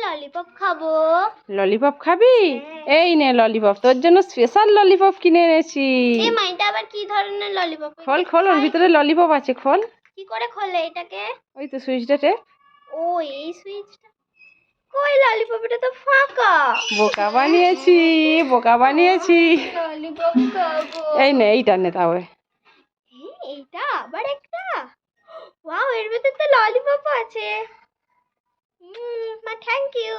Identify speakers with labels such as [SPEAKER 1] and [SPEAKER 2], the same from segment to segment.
[SPEAKER 1] Lollipop খাবো।
[SPEAKER 2] Lollipop খাবি? এই নে ললিপপ, তোর জন্য স্পেশাল ললিপপ কিনে এনেছি।
[SPEAKER 1] এই মা, এটা আবার কি ধরনের ললিপপ?
[SPEAKER 2] খোল খোল, ওর ভিতরে ললিপপ আছে, খোল।
[SPEAKER 1] কি করে খোলে এটাকে?
[SPEAKER 2] ওই তো সুইচটা টেপ।
[SPEAKER 1] ও, এই সুইচটা। কই ললিপপ? এটা তো ফাঁকা।
[SPEAKER 2] বোকা বানিয়েছি, বোকা বানিয়েছি।
[SPEAKER 1] ললিপপ খাবো।
[SPEAKER 2] এই নে, এইটা নে তাহলে।
[SPEAKER 1] এইটা আবার একটা। ওয়াও, এর ভিতরে তো ললিপপ আছে। মা, থ্যাংক ইউ।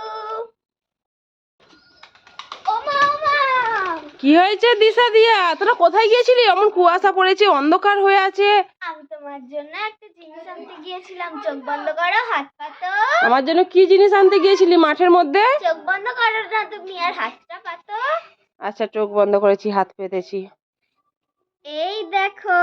[SPEAKER 1] ও মা,
[SPEAKER 2] কি হয়েছে দিশা দিয়া? তোরা কোথায় গিয়েছিলি? এমন কুয়াশা পড়েছে, অন্ধকার হয়ে আছে।
[SPEAKER 1] আমি তোমার জন্য একটা জিনিস আনতে গিয়েছিলাম। চোখ বন্ধ করো, হাত পাতো।
[SPEAKER 2] আমার জন্য কি জিনিস আনতে গিয়েছিলি মাঠের মধ্যে?
[SPEAKER 1] চোখ বন্ধ করো না তুমি, আর হাতটা পাতো।
[SPEAKER 2] আচ্ছা, চোখ বন্ধ করেছি, হাত পেতেছি।
[SPEAKER 1] এই দেখো।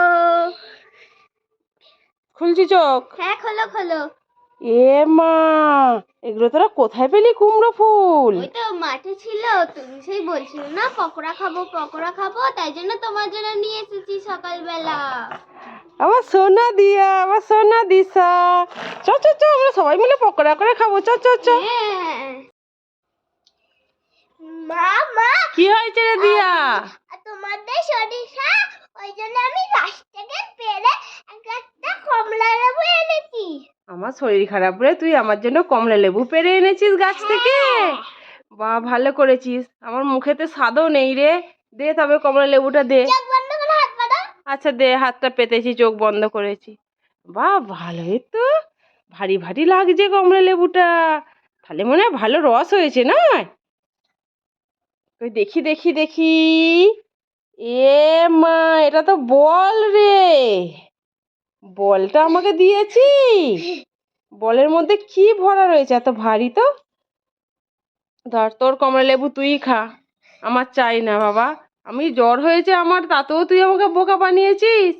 [SPEAKER 2] খুলছি চোখ?
[SPEAKER 1] হ্যাঁ, খোলো খোলো।
[SPEAKER 2] এ মা, এগুলো তোরা কোথায় পেলি কুমড়ো ফুল?
[SPEAKER 1] ওই তো মাঠে ছিল, তুমি সেই বলছিলে না পকোড়া খাবো পকোড়া খাবো, তাই জন্য তোমার জন্য নিয়ে এসেছি সকালবেলা।
[SPEAKER 2] আমার সোনা দিয়া, আমার সোনা দিশা। চ চ চ, আমরা সবাই মিলে পকোড়া করে খাবো, চ চ চ।
[SPEAKER 1] মা মা,
[SPEAKER 2] কি হয়েছে রে দিয়া?
[SPEAKER 1] তোমাদের সরিষা, ওই জন্য আমি গাছ থেকে পেড়ে একটা কমলা লেবু এনেছি।
[SPEAKER 2] আমার শরীর খারাপ রে, তুই আমার জন্য কমলা লেবু পেড়ে এনেছিস গাছ থেকে? বাহ, ভালো করেছিস। আমার মুখেতে স্বাদও নেই রে। দে তবে কমলা লেবুটা দে।
[SPEAKER 1] চোখ বন্ধ করে হাত পাতো।
[SPEAKER 2] আচ্ছা দে, হাতটা পেতেছি, চোখ বন্ধ করেছি। বাহ, ভালোই তো, ভারী ভারী লাগছে কমলা লেবুটা। তাহলে মনে হয় ভালো রস হয়েছে না? ওই দেখি দেখি দেখি। এ মা, এটা তো বল রে। বলটা আমাকে দিয়েছি। বলের মধ্যে কি ভরা রয়েছে? এত ভারী তো। ধর, তোর কমলা লেবু তুই খা, আমার চাই না বাবা। আমি জ্বর হয়েছে আমার, তাতেও তুই আমাকে বোকা বানিয়েছিস।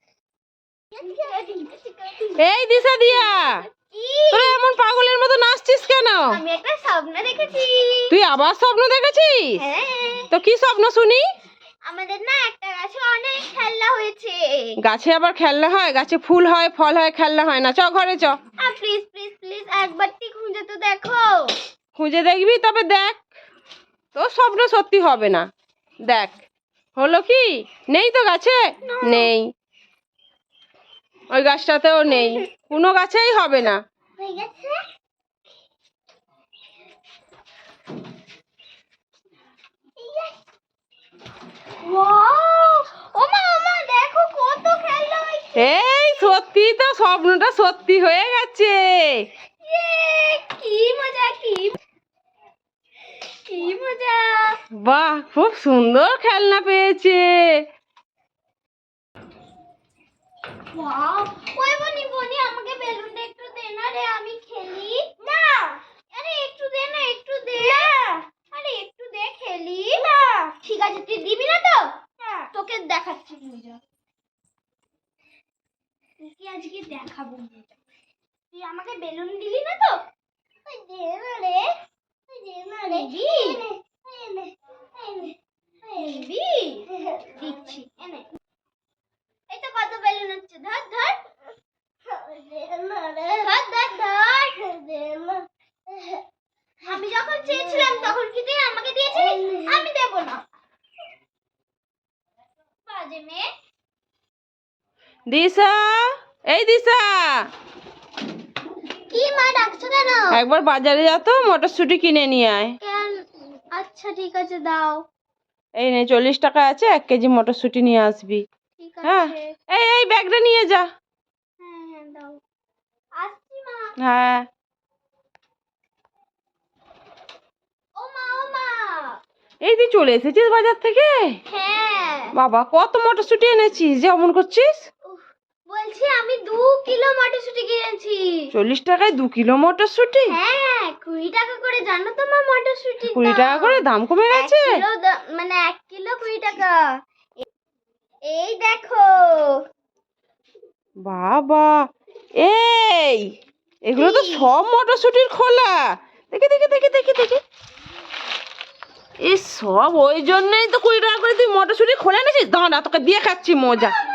[SPEAKER 2] এই দিশা দিয়া, তোরা এমন পাগলের মতো নাচছিস কেন?
[SPEAKER 1] আমি একটা স্বপ্ন দেখেছি।
[SPEAKER 2] তুই আবার স্বপ্ন দেখেছিস?
[SPEAKER 1] হ্যাঁ।
[SPEAKER 2] তো কি স্বপ্ন শুনি?
[SPEAKER 1] আমাদের না একটা গাছে অনেক খেলনা হয়েছে।
[SPEAKER 2] গাছে আবার খেলনা হয়? গাছে ফুল হয়, ফল হয়, খেলনা হয় না। চ ঘরে চ।
[SPEAKER 1] প্লিজ প্লিজ প্লিজ, একবারটি খুঁজে তো দেখো।
[SPEAKER 2] খুঁজে দেখবি? তবে দেখ, তোর স্বপ্ন সত্যি হবে না। দেখ, হলো কি? নেই তো গাছে? নেই। ওই গাছটাতেও নেই, কোনো গাছেই হবে না।
[SPEAKER 1] হয়ে গেছে। ওয়াও, ওমা দেখো কত খেলনা হয়েছে।
[SPEAKER 2] এই সত্যি তো, স্বপ্নটা সত্যি হয়ে গেছে।
[SPEAKER 1] কি মজা, কি কি মজা।
[SPEAKER 2] বাহ, খুব সুন্দর খেলনা পেয়েছে।
[SPEAKER 1] ওয়াও, ওই বনি বনি, আমাকে বেলুনটা একটু দে না রে, আমি খেলি। না, আরে একটু দে না, একটু দে না। আরে একটু দে, খেলি না। ঠিক আছে, তুই দিবি না তো? তোকে দেখাচ্ছি মজা। তোকে আজকে দেখাবো মজা। তুই আমাকে বেলুন দিলি না তো? ওই দে না রে, ওই দে না রে। দিবি? দিচ্ছি, এনে। এই তো কত বেলুন হচ্ছে, ধর ধর ধর ধর ধর। আমি যখন চেয়েছিলাম তখন কি তুই আমাকে দিয়েছিলি? আমি দেব না। বাজে মেয়ে।
[SPEAKER 2] দিশা, এই দিশা,
[SPEAKER 1] কি মা, ডাকছো কেন?
[SPEAKER 2] একবার বাজারে যা তো, মটরশুঁটি কিনে নিয়ে আয়।
[SPEAKER 1] আচ্ছা ঠিক আছে, দাও।
[SPEAKER 2] এই নে, 40 টাকা আছে, 1 কেজি মটরশুঁটি নিয়ে আসবি।
[SPEAKER 1] ঠিক
[SPEAKER 2] হ্যাঁ,
[SPEAKER 1] আছে।
[SPEAKER 2] এই ব্যাগটা নিয়ে যা।
[SPEAKER 1] হ্যাঁ হ্যাঁ, দাও। আসছি মা।
[SPEAKER 2] হ্যাঁ।
[SPEAKER 1] ও মা।
[SPEAKER 2] এই তুই চলে এসেছিস বাজার থেকে?
[SPEAKER 1] হ্যাঁ।
[SPEAKER 2] বাবা, কত মটরশুঁটি এনেছিস যে অমন করছিস?
[SPEAKER 1] বলছি আমি 2 কিলো মটরশুঁটি কিনেছি।
[SPEAKER 2] 40 টাকায় 2 কিলো মটরশুঁটি?
[SPEAKER 1] হ্যাঁ, 20 টাকা করে, জানো তো মা মটরশুঁটি
[SPEAKER 2] 20 টাকা করে দাম কমে গেছে?
[SPEAKER 1] 1 কিলো মানে 1 কিলো 20 টাকা। এই দেখো।
[SPEAKER 2] বাবা, এই এগুলো তো সব মটরশুঁটির খোলা। দেখি দেখি দেখি দেখি দেখি। এই সব ওই জন্যই তো 20 টাকা করে তুই মটরশুঁটি খোলা এনেছিস। দাঁড়া, তোকে দিয়ে খাচ্ছি মজা।